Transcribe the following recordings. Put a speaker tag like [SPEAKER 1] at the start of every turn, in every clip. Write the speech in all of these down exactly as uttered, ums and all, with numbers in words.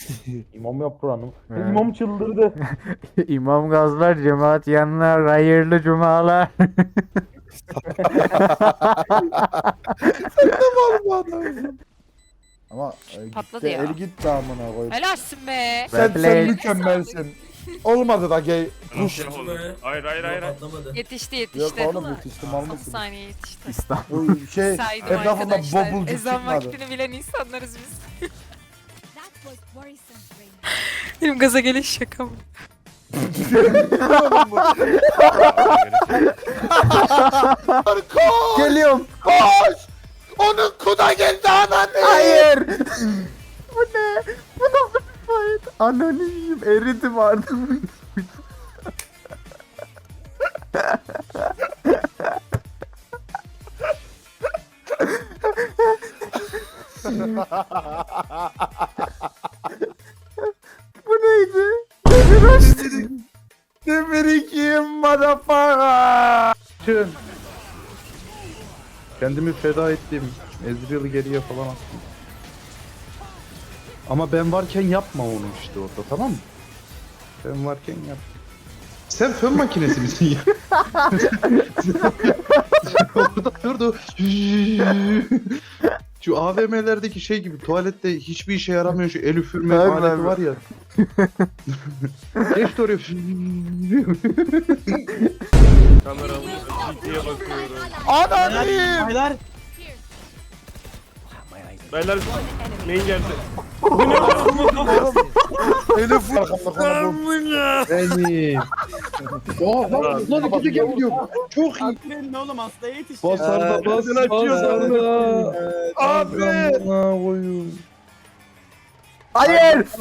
[SPEAKER 1] İmam yap buranın.
[SPEAKER 2] Evet.
[SPEAKER 1] İmam çıldırdı.
[SPEAKER 2] İmam gazlar, cemaat yanlar, hayırlı cumalar.
[SPEAKER 3] Bu adamsın. Ama e,
[SPEAKER 4] Patladı
[SPEAKER 3] gitti,
[SPEAKER 4] ya.
[SPEAKER 3] el gitti amına koyayım.
[SPEAKER 4] Helalsin be.
[SPEAKER 3] Sen,
[SPEAKER 2] Replay.
[SPEAKER 3] sen mükemmelsin. Olmadı da gay. Push.
[SPEAKER 5] Hayır
[SPEAKER 6] Hayır hayır hayır.
[SPEAKER 5] patlamadı.
[SPEAKER 4] Yetişti
[SPEAKER 3] Yok
[SPEAKER 4] yetişti.
[SPEAKER 3] oğlum yetiştim
[SPEAKER 4] on
[SPEAKER 3] almışsın.
[SPEAKER 4] saniye yetişti.
[SPEAKER 2] İstanbul.
[SPEAKER 3] Bu şey
[SPEAKER 4] Saydım
[SPEAKER 3] etrafında
[SPEAKER 4] arkadaşlar.
[SPEAKER 3] bobulcuk
[SPEAKER 4] Ezan
[SPEAKER 3] çıkmadı.
[SPEAKER 4] vaktini bilen insanlarız biz.
[SPEAKER 7] That was worrisome, Rain.
[SPEAKER 4] Benim gaza geliş şaka mı?
[SPEAKER 3] Koş!
[SPEAKER 2] Geliyorum.
[SPEAKER 3] Koş! Onun kuda geldi ananı.
[SPEAKER 2] Hayır. Bu ne? Bu nasıl bir fight? Ananı yiyeyim. Eridim artık. Bu neydi? Nedir açtı?
[SPEAKER 3] Demir kim motherfucker?
[SPEAKER 1] Çın. Kendimi feda ettim. Ezreal'ı geriye falan attım. Ama ben varken yapma onu işte orada, tamam mı? Ben varken yap. Sen fön makinesi misin ya? Orada durdu. Şu A V M'lerdeki şey gibi, tuvalette hiçbir işe yaramıyor şu el üfürme
[SPEAKER 2] Tabii,
[SPEAKER 1] aleti
[SPEAKER 2] tabii.
[SPEAKER 1] var ya. Geçti oraya.
[SPEAKER 6] Kameramı ciddiye bakıyorum.
[SPEAKER 3] Ananı.
[SPEAKER 5] Baylar.
[SPEAKER 6] Beyler main geldi.
[SPEAKER 3] Elif arkamda konu bu.
[SPEAKER 1] Benim. Oha lan ikisi geliyor. Çok iyi.
[SPEAKER 5] Akrenin oğlum hastaya yetişti.
[SPEAKER 1] Bas arda bas
[SPEAKER 6] Ağzını açıyor,
[SPEAKER 1] bas
[SPEAKER 6] ağzını
[SPEAKER 1] arda.
[SPEAKER 3] Abi.
[SPEAKER 1] Koyun.
[SPEAKER 2] Hayır.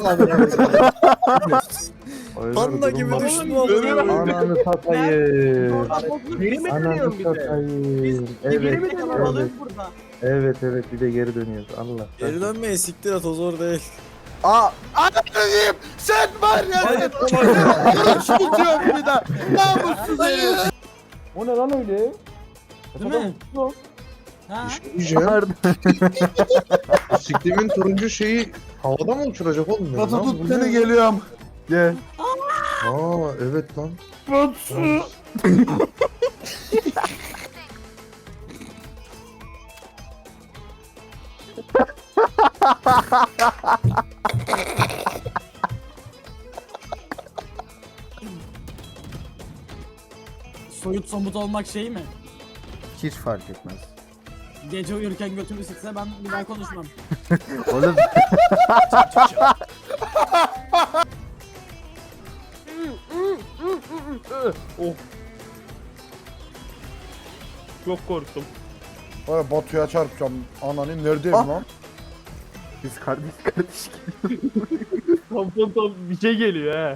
[SPEAKER 3] Panda gibi düştüm oğlum.
[SPEAKER 1] Ananı satayım.
[SPEAKER 5] Geri mi
[SPEAKER 1] Ananı
[SPEAKER 5] dönüyorsun bir de?
[SPEAKER 1] satayım.
[SPEAKER 5] Geri
[SPEAKER 1] Evet,
[SPEAKER 5] mi dönüyorsun
[SPEAKER 1] evet,
[SPEAKER 5] burada?
[SPEAKER 1] evet, evet, bir de geri dönüyoruz. Allah.
[SPEAKER 8] Geri dönmeye siktir at o zor değil.
[SPEAKER 2] Aa,
[SPEAKER 3] Ananı sen var ya. Kuruş tutuyorum bir daha. Namussuz herif.
[SPEAKER 1] O ne lan öyle?
[SPEAKER 5] Değil mi? Ha?
[SPEAKER 1] Diyeceğim.
[SPEAKER 2] pardon.
[SPEAKER 1] Siklimin turuncu şeyi havada mı uçuracak oğlum?
[SPEAKER 3] Batu
[SPEAKER 1] Lan
[SPEAKER 3] tut
[SPEAKER 1] bu
[SPEAKER 3] beni
[SPEAKER 1] ne?
[SPEAKER 3] geliyorum.
[SPEAKER 2] Gel.
[SPEAKER 1] Aa evet lan.
[SPEAKER 3] Batu.
[SPEAKER 5] Soyut somut olmak şey mi?
[SPEAKER 2] Hiç fark etmez.
[SPEAKER 5] Gece uyurken götümü sıksa ben bir daha konuşmam.
[SPEAKER 2] Oğlum
[SPEAKER 6] Oh. Çok korktum.
[SPEAKER 3] Vay Batu'ya çarpacağım. Ananı neredeyim
[SPEAKER 2] Ah.
[SPEAKER 3] lan?
[SPEAKER 2] biz kardeş kardeş.
[SPEAKER 6] Tam tam tam bir şey geliyor he.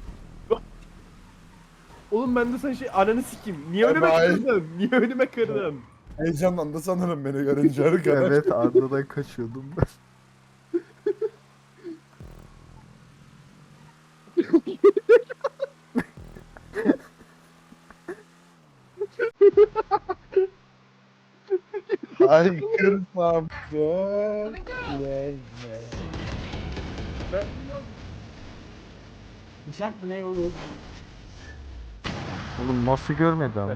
[SPEAKER 6] Oğlum ben de sen şey ananı sikeyim. Niye önüme
[SPEAKER 3] Bye bye.
[SPEAKER 6] kırdın? Niye önüme kırdın?
[SPEAKER 3] Heyecanlandı sanırım beni görünce arkadaş.
[SPEAKER 2] Evet, Arda'dan kaçıyordum ben.
[SPEAKER 3] Ay kırsam. Gel. Gel.
[SPEAKER 5] Bıçak mı ne olur?
[SPEAKER 2] Oğlum nasıl görmedi ama.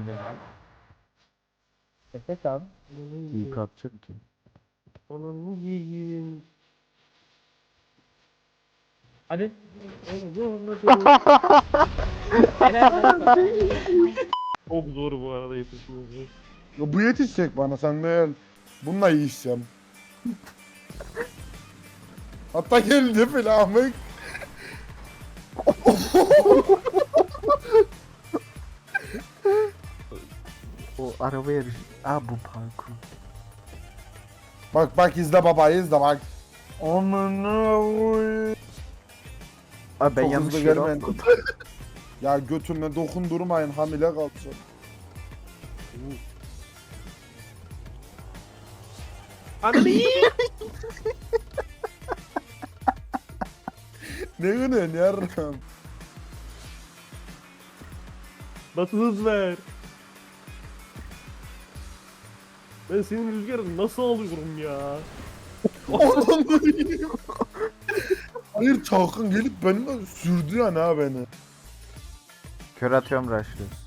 [SPEAKER 1] Efe kan.
[SPEAKER 2] İyi kalkacak ki.
[SPEAKER 6] Onu yiyeyim.
[SPEAKER 1] Hadi.
[SPEAKER 6] Çok zor bu arada yetişmesi.
[SPEAKER 3] Ya bu yetişecek bana sen değil. Bununla yiyeceğim. Hatta geldi filan.
[SPEAKER 2] O araba yarışı. Aa, bu parkur.
[SPEAKER 3] Bak bak izle baba izle bak. Amına koy.
[SPEAKER 2] Aa, ben
[SPEAKER 3] Çok
[SPEAKER 2] yanlış
[SPEAKER 3] hızlı
[SPEAKER 2] yere
[SPEAKER 3] gelmeyin.
[SPEAKER 2] atladım.
[SPEAKER 3] Ya götümle dokundurmayın hamile kalsın.
[SPEAKER 6] Ananı yiyeyim.
[SPEAKER 3] Ne gülüyorsun yarram?
[SPEAKER 6] Nasıl hız ver? Ben senin rüzgarını nasıl alıyorum ya?
[SPEAKER 3] Hayır Çağkan gelip benimle sürdü yani ha beni.
[SPEAKER 2] Kör atıyorum rushlıyoruz.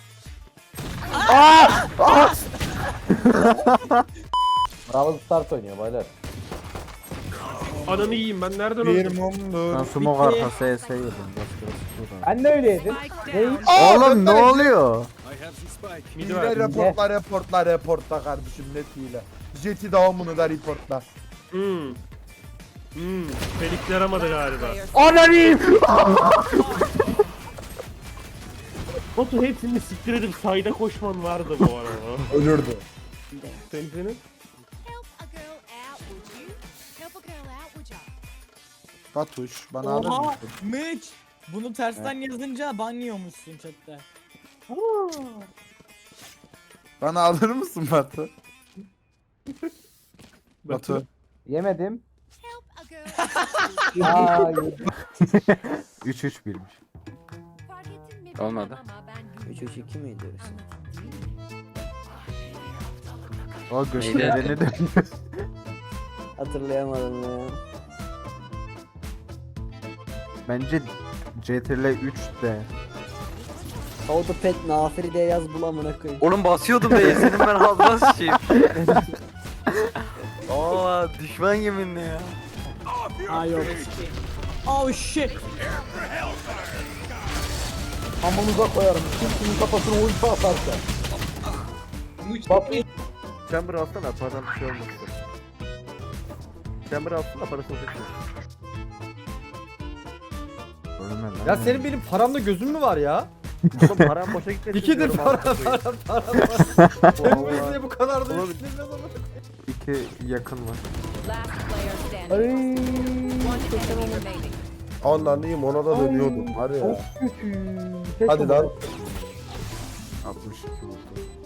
[SPEAKER 9] Bravo start oynuyor baylar.
[SPEAKER 6] Ananı yiyeyim ben nereden
[SPEAKER 3] Bir
[SPEAKER 6] öldüm?
[SPEAKER 3] mumdur.
[SPEAKER 2] Ben smoke arkası E S yedim. Başka
[SPEAKER 9] Ben de öyleydim. Neyi?
[SPEAKER 2] Oğlum ne oluyor?
[SPEAKER 6] Midi
[SPEAKER 3] Hile
[SPEAKER 6] ver.
[SPEAKER 3] reportla reportla reportla kardeşim net hile. Jet'i devamını da reportla.
[SPEAKER 6] Hmm. Hmm. Felix yaramadı galiba.
[SPEAKER 2] Ananıyım.
[SPEAKER 6] Batu hepsini siktir edip sayda koşman vardı bu arada.
[SPEAKER 3] Ölürdü.
[SPEAKER 6] Senin senin.
[SPEAKER 7] Help a girl out, would you? Help a girl out, would ya?
[SPEAKER 3] Batuş bana alır
[SPEAKER 5] Oha!
[SPEAKER 3] mısın?
[SPEAKER 5] Mitch! Bunu tersten yazınca ban yiyormuşsun chatte.
[SPEAKER 3] Bana alır mısın Batu? Batu.
[SPEAKER 9] Yemedim.
[SPEAKER 7] Help a girl out,
[SPEAKER 9] Aa, yedim.
[SPEAKER 2] üç üç birmiş.
[SPEAKER 7] fark ettin mi?
[SPEAKER 4] Olmadı.
[SPEAKER 7] Ama ben
[SPEAKER 8] üç üç iki miydi?
[SPEAKER 2] O göstereni döndü.
[SPEAKER 8] Hatırlayamadım ya.
[SPEAKER 2] Bence C T L üç de.
[SPEAKER 8] How to pet nafiri diye yaz bul amına koyayım.
[SPEAKER 10] Oğlum basıyordum da senin ben ağzına sıçayım. Aa düşman yeminle ya.
[SPEAKER 5] Aa yok. Oh shit!
[SPEAKER 9] Amınıza koyarım. Kimsenin kafasına ulti atarsa. Bak
[SPEAKER 10] Chamber alsana param bir şey olmasın. Chamber alsana parası olacak.
[SPEAKER 2] Ölme lan.
[SPEAKER 9] ya senin benim paramda gözün mü var ya?
[SPEAKER 10] Oğlum param boşa gitmesin.
[SPEAKER 9] İkidir
[SPEAKER 10] diyorum,
[SPEAKER 9] para
[SPEAKER 10] amına koyayım.
[SPEAKER 9] para para var. Sen bu
[SPEAKER 10] Vallahi.
[SPEAKER 9] yüzüne bu kadar da
[SPEAKER 10] Oğlum.
[SPEAKER 9] düşünülmez ama.
[SPEAKER 2] İki yakın var.
[SPEAKER 7] last player standing. One enemy remaining.
[SPEAKER 3] Anlanayım ona da dönüyordum var ya.
[SPEAKER 9] Kötü.
[SPEAKER 3] Hadi lan.
[SPEAKER 2] altmış iki vurdu.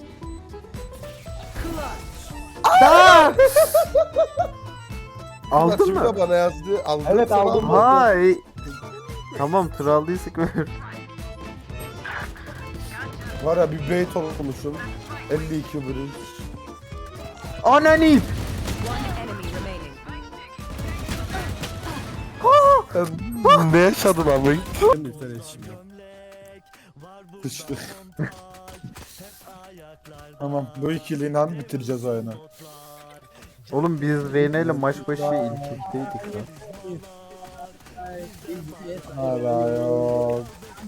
[SPEAKER 2] Aldın
[SPEAKER 3] Şimdi
[SPEAKER 2] mı?
[SPEAKER 3] bana yazdı. Aldım.
[SPEAKER 9] Evet,
[SPEAKER 3] Sen
[SPEAKER 9] aldım.
[SPEAKER 3] almadın.
[SPEAKER 2] Hay. Tamam tır aldıysak ver.
[SPEAKER 3] Var ya bir bait olmuşum. elli iki bridge.
[SPEAKER 2] Ananı.
[SPEAKER 7] One enemy remaining.
[SPEAKER 3] Ne yaşadın abi? Sıçtık. Tamam bu ikiliyle bitireceğiz oyunu.
[SPEAKER 2] Oğlum biz Reyna ile maç başı ilk ikteydik lan.
[SPEAKER 3] Hala yok.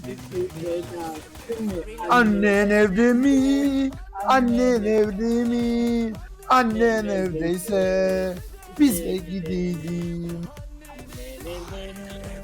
[SPEAKER 3] Annen evde mi? Annen evde mi? Annen evdeyse biz de gidelim.